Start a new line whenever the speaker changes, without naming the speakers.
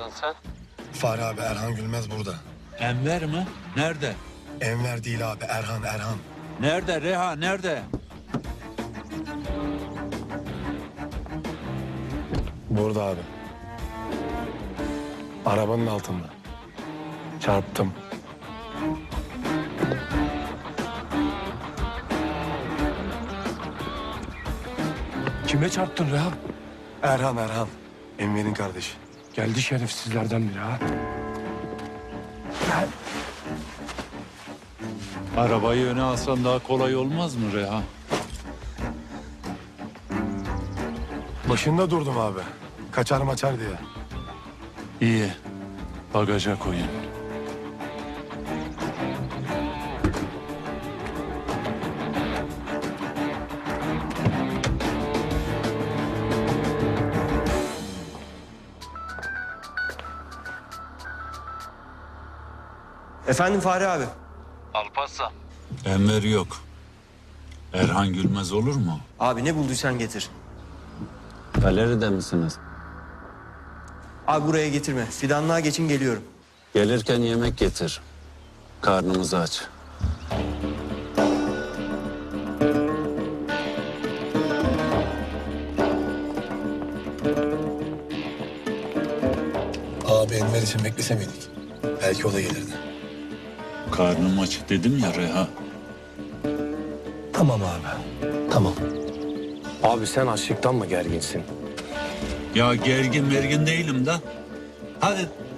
arıyorsun sen?
Fahri abi, Erhan Gülmez burada.
Enver mi? Nerede?
Enver değil abi, Erhan.
Nerede Reha, nerede?
Burada abi. Arabanın altında. Çarptım.
Kime çarptın Reha?
Erhan. Enver'in kardeşi.
Geldi şerefsizlerden biri ha.
Arabayı öne alsan daha kolay olmaz mı Reha?
Başında durdum abi. Kaçar maçar diye.
İyi. Bagaja koyun.
Efendim Fahri abi.
Alparslan. Enver yok. Erhan Gülmez olur mu?
Abi ne bulduysan getir.
Galeride misiniz?
Abi buraya getirme. Fidanlığa geçin geliyorum.
Gelirken yemek getir. Karnımız aç.
Abi Enver için beklese miydik? Belki o da gelirdi.
Karnım aç dedim ya Reha.
Tamam abi. Tamam.
Abi sen açlıktan mı gerginsin?
Ya gergin mergin değilim de. Hadi